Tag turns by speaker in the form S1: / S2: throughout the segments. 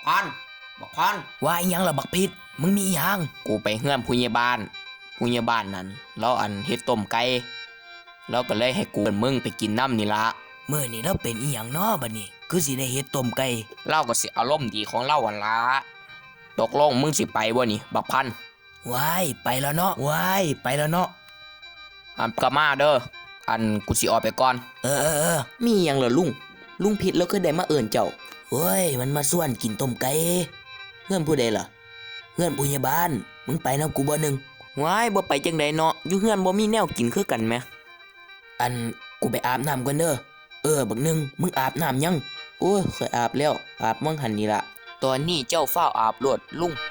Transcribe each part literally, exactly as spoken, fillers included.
S1: พันบักพัน
S2: ว่าอีหยังล่ะบักพิษมึงมีอีหยัง
S1: กูไปเฮือนผู้ใหญ่บ้านผู้ใหญ่บ้านนั้นแล้วอันเฮ็ดต้มไก่แล้วก็เลยให้กูกับมึงไปกินน้ำนี่ละ
S2: มื้อนี้เราเป็นอีหยังน้อบัดนี้คือสิได้เฮ็ดต้มไก่
S1: เล่าก็สิอารมณ์ดีของเล่าวันละตกลงมึงสิไปบ่นี่บักพัน
S2: ว้ายไปแล้วเนาะว้ายไปแล้วเนาะ
S1: อันกะมาเด้ออันกูสิออกไปก่อน
S2: เออเออเออ
S1: มีหยังเหรอลุงลุงผิดแล้วคือได้มาเอิ้นเจ้า
S2: เฮ้ยมันมาส่วนกินต้มไก่เฮือนผู้ใดล่ะเฮือนผู้ใหญ่บ้านมึงไปนำกูบ่นึง
S1: ว้ายบ่ไปจังไดเนาะอยู่เฮือนบ่มีแนวกินคือกันแหม
S2: อันกูไปอาบน้ำก่อนเด้อเออบักนึงมึงอาบน้ำยัง
S1: โอ้ยเคยอาบแล้วอาบมั่งหันนี่ล่ะตอนนี้เจ้าเฝ้าอาบโลดลุง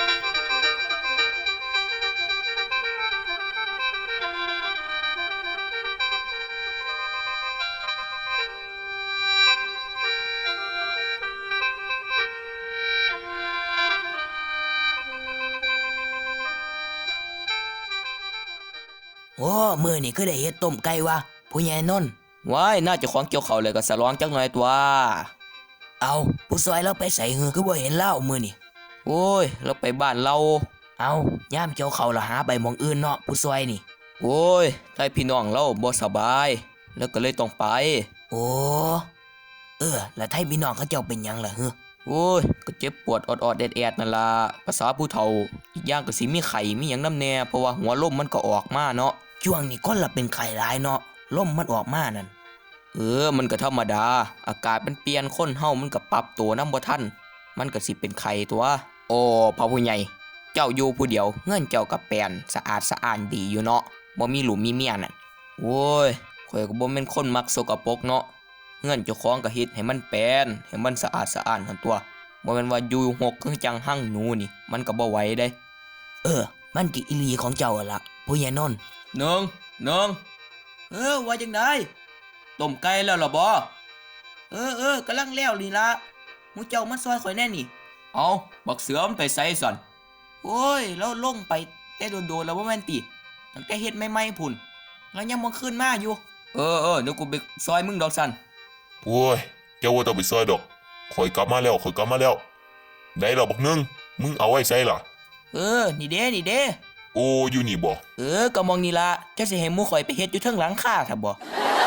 S2: โอ้มื้อนี้คือได้เฮ็ดต้มไก่วะผู้ใหญ่นนท์
S1: ว้ายน่าจะของเกี่ยวเขาเลยก็สะร้องจักหน่อยตัว
S2: เอาผู้ซอยเราไปใส่หือคือบ่เห็นเล่ามื้อนี้
S1: โอ้ยเราไปบ้านเรา
S2: เอาย่ามเกี่ยวเขาละหาไปหม่องอื่นเนาะผู้ซอยนี่
S1: โอ้ยไทพี่น้องเราบ่สบายแล้วก็เลยต้องไป
S2: โอ้เออแล้วไทพี่น้องเขาเจ้าเป็นหยังล่ะฮึ
S1: โอ้ยก็เจ็บปวดออดๆแอดๆนั่นล่ะภาษาผู้เฒ่าอีกอย่างก็สิมีไข้มีหยังนำแน่เพราะว่าหัวลมมันก็ออกมาเนาะ
S2: ช่วงนี้คนละเป็นไข้หลายเนาะลมมันออกมานั่น
S1: เออมันก็ธรรมดาอากาศมันเปลี่ยนคนเฮามันก็ปรับตัวนำบ่ทันมันก็สิเป็นไข้ตัวโอ้พ่อผู้ใหญ่เจ้าอยู่ผู้เดียวเฮือนเจ้าก็แปลนสะอาดสะอ้านดีอยู่เนาะบ่มีหลุมมีเมียนั่นโอ้ยข่อยก็บ่แม่นคนมักสกปรกเนาะเฮือนเจ้าของก็เฮ็ดให้มันแปลนให้มันสะอาดสะอ้านหั่นตัวบ่แม่นว่าอยู่หกคือจังหั่งหนูนี่มันก็บ่ไหวเด้
S2: เออมันกิอีหลีของเจ้าล่ะผู้ใหญ่นนท์
S1: นึงนึงเออว่าจังได๋ต้มไก่แล้วล่ะบ่เออเออกำลังแล้วนี่ล่ะหมู่เจ้ามาซอยข่อยแน่นี่เอาบักเสือมันไปไสสั่นโอ้ยเราลงไปแต่โดนๆแล้วบ่แม่นติตั้งแต่เฮ็ดใหม่ๆพุ่นแล้วยังบ่ขึ้นมาอยู่เออเออเดี๋ยวกูไปซอยมึงดอกสั่น
S3: โอ้ยเจ้าว่าต้องไปซอยดอกข่อยกลับมาแล้วข่อยกลับมาแล้วได้ดอกบักนึงมึงเอาไว้ใส่ล่ะ
S1: เออนี่เด้นี่เด้
S3: โอ้อยู่นี่บ่
S1: เออก็มองนี่ล่ะจะสิให้หมู่ข่อยไปเฮ็ดอยู่เทิงหลังคาถ้าบ่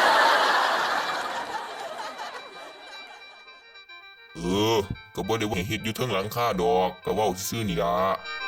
S3: เออก็บ่ได้ว่าให้เฮ็ดอยู่เทิงหลังคาดอกก็เว้าซื่อๆนี่ล่ะ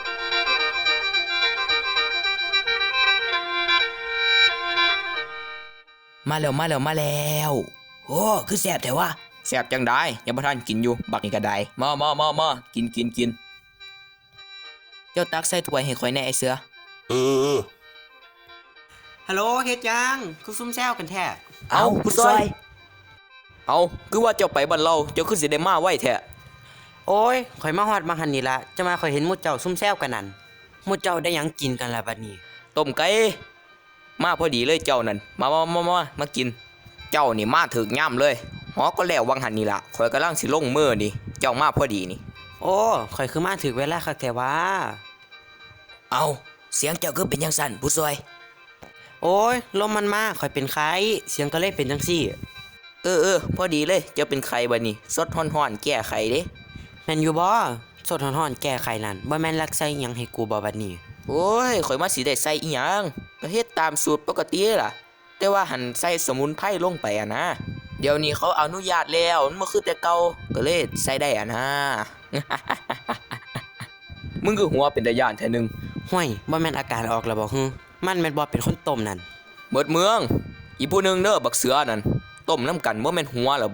S2: มาแล้วมาแล้วมาแล้วโอ้คือแซ่บแท้วะ
S1: แซ่บจังได้ยังบ่ทันกินอยู่บักนี่ก็ได้มามามามากินกินกินเจ้าตักใส่ถ้วยให้ข่อยแน่ไอ้เสือ
S3: เออ
S1: ฮัลโหลเฮ็ดจังคือซุ่มแซวกันแท้
S2: เอาผู้ซอย
S1: เอาคือว่าเจ้าไปบ้านเราเจ้าคือสิได้มาไว้แท้
S4: โอ้ยข่อยมาฮอดมาหันนี่ละจะมาข่อยเห็นหมู่เจ้าซุ่มแซวกันนั่นหมู่เจ้าได้หยังกินกันล่ะบัดนี้
S1: ต้มไก่มาพอดีเลยเจ้านั่นมามามามามากินเจ้านี่มาถึกย่ำเลยหอก็แล้ววังหันนี่ล่ะข่อยกำลังสิลงมือนี่เจ้ามาพอดีนี่
S4: โอ้ข่อยคือมาถึกเวลาคักแท้ว่า
S2: เอาเสียงเจ้าคือเป็นจังซั่นผู้ซอย
S4: โอ้ยลมมันมาข่อยเป็นไข้เสียงก็เลยเป็นจังซี่
S1: เออเออพอดีเลยเจ้าเป็นไข้บัดนี้สดฮ้อนๆแก้ไขเด้
S4: แม่นอยู่บ่สดฮ้อนๆแก้ไขนั่นบ่แม่นรักใส่หยังให้กูบ่บัดนี้
S1: โอ้ยข่อยมาสิได้ใส่อีหยังก็เฮ็ดตามสูตรปกติล่ะแต่ว่าหันใส่สมุนไพรลงไปอ่ะนะเดี๋ยวนี้เขาอนุญาตแล้วมันบ่คือแต่เก่าก็เลยใส่ได้อ่ะนะ มึงคือหัวเป็นตาย่านแท้นึง
S4: ห้วยบ่แม่นอาการออกแล้วบ่ฮึมันแม่นบ่เป็นคนต้มนั่น
S1: เบิดเมืองอีผู้นึงเด้อบักเสือนั่นต้มน้ำกันบ่แม่นหัวแล้วบ่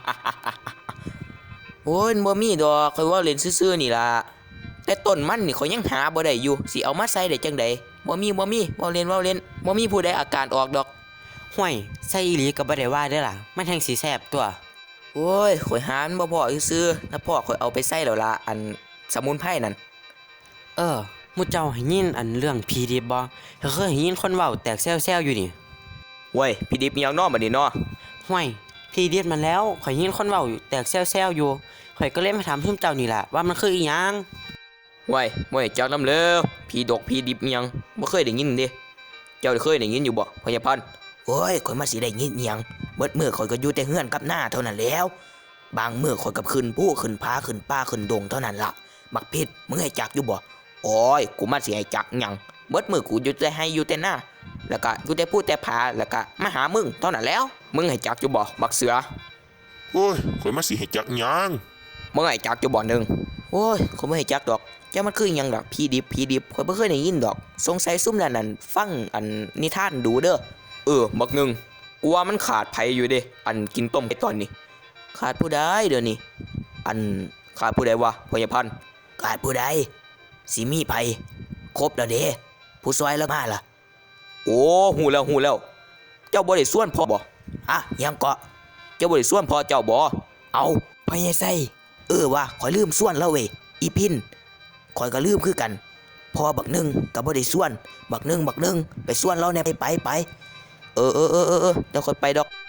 S1: โอ้ยบ่มีดอกข่อยว่าเล่นซื่อๆนี่ล่ะแต่ต้นมันนี่ข่อยยังหาบ่ได้อยู่สิเอามาใส่ได้จังได๋บ่มีบ่มีเว้าเล่นเว้าเล่นบ่มีผู้ใดอาการออกดอก
S4: ห้วยใส่อีหลีก็บ่ได้ว่าเด้อล่ะมันแฮ่งสิแซ่บตัว
S1: โอ้ยข่อยหามันบ่พอซื่อๆถ้าพอข่อยเอาไปใส่แล้วล่ะอันสมุนไพรนั่น
S4: เออหมู่เจ้าให้ยินอันเรื่องผีดิบบ่เคยให้ยินคนเว้าแตกแซวๆอยู่นี่
S1: เว้ยผีดิบมีหยังน้อบัดนี้เนาะ
S4: ห้วยผีดิบมันแล้วข่อยยินคนเว้าแตกแซวๆอยู่ข่อยก็เลยมาถามซุมเจ้านี่ล่ะว่ามันคืออีหยัง
S1: เว้ยบ่ให้จักนำเด้อผีดกผีดิบมีหยังบ่เคยได้ยินเด้เจ้าเคยได้ยินอยู่บ่พญาพันธุ์
S2: โอ้ยข่อยมาสิได้ยินอีหยังเบิดมื้อข่อยก็อยู่แต่เฮือนกับหน้าเท่านั้นแล้วบางมื้อข่อยกับขึ้นผู้ขึ้นพาขึ้นป้าขึ้นดงเท่านั้นล่ะบักพิษมึงให้จักอยู่บ่
S1: โอ้ยกูมาสิให้จักหยังเบิดมือกูอยู่แต่ให้อยู่แต่หน้าแล้วก็อยู่แต่พูดแต่ผาแล้วก็มาหามึงเท่านั้นแล้วมึงให้จักอยู่บ่บักเสือ
S3: โอ้ยข่อยมาสิให้จักหยัง
S1: มึงให้จักอยู่บ่หนึง
S2: โอ้ยข่อยบ่ให้จักดอกจ้ามันคือหยังดอกพี่ดิบพี่ดิบข่อยบ่เคยได้ยินดอกสงสัยซุ่มนั่นนั่นฟังอันนิทานดูเด้อ
S1: เออบักหนึงกูว่ามันขาดไผอยู่เด้อันกินต้มไก่ตอนนี้
S2: ขาดผู้ใดเดี๋ยวนี้
S1: อันขาดผู้ใดวะพญาพันธุ์
S2: ขาดผู้ใดสิมีไผครบแล้วเด้ผู้ซอยแล้วมาล่ะ
S1: โอ้หูแล้วหูแล้ว เจ้าบ่ได้ส่วนพ่อบ่
S2: อะยังเกาะ
S1: เจ้าบ่ได้ส่วนพ่อเจ้าบ่
S2: เอาพญาไส้เออว่าข่อยลืมส่วนแล้วเว้ยอีพินข่อยก็ลืมคือกันพอบักหนึงก็บ่ได้ส่วน บักหนึงบักหนึงไปส่วนเราแหน่ไปไปไป
S1: เออเออเออเออเออเดี๋ยวค่อยไปดอก